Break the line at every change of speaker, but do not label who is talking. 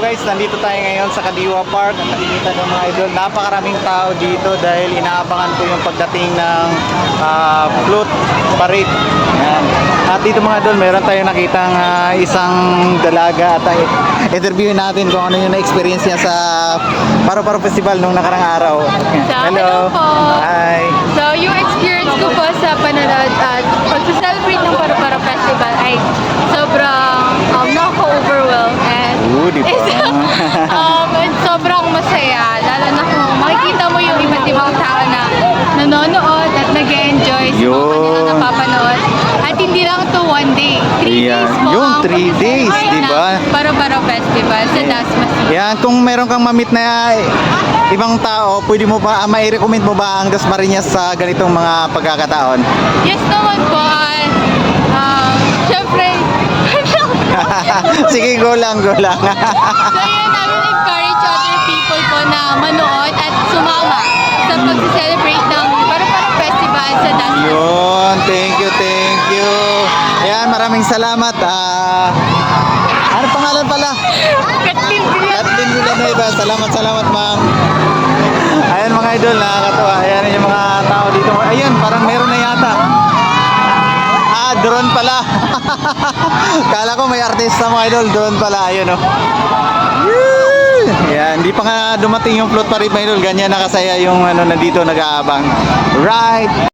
guys, nandito tayo ngayon sa Kadiwa Park. At nakikita ng mga idol, napakaraming tao dito dahil inaabangan ko yung pagdating ng float parade. Yan. At dito mga idol, meron tayong nakitang isang dalaga at interviewin natin kung ano yung na-experience niya sa Paro-Paro Festival nung nakarang araw.
Hello po.
Hi.
So, yung experience ko po sa panonood at pag-celebrate ng Paro-Paro Festival ay sobrang nakaka-overwhelm and
Di ba?
and sobrang masaya. Lalo na kung makikita mo yung iba't ibang tao na nanonood at nag-enjoy sa mga kanilang napapanood. At hindi lang to one day. 3 days po
Yung
ang
3 days,
pag-celebrate
di ba?
ng Paro-Paro Festival sa Dasma City.
Yan, kung meron kang mamit na ibang tao, pwede mo ba, mai-recommend mo ba ang Dasmariñas sa ganitong mga pagkakataon?
Yes naman po. Siyempre,
Sige, go lang.
so yun, I will encourage other people po na manood at sumama sa pag-celebrate ng Paro-Paro Festival sa Dasma.
Yun, thank you. Ayan, maraming salamat. Ano pangalan pala?
Katlin
Kathleen Villanueva. Salamat ma'am. Ayan mga idol, nakakatuwa. Ayan yung mga tao dito. Ayan, parang meron na yata. Drone pala. Kala ko may artista mga idol. Drone pala. Ayun oh. Yan, hindi pa nga dumating yung float parade mga idol. Ganyan nakasaya yung nandito nag-aabang. Right.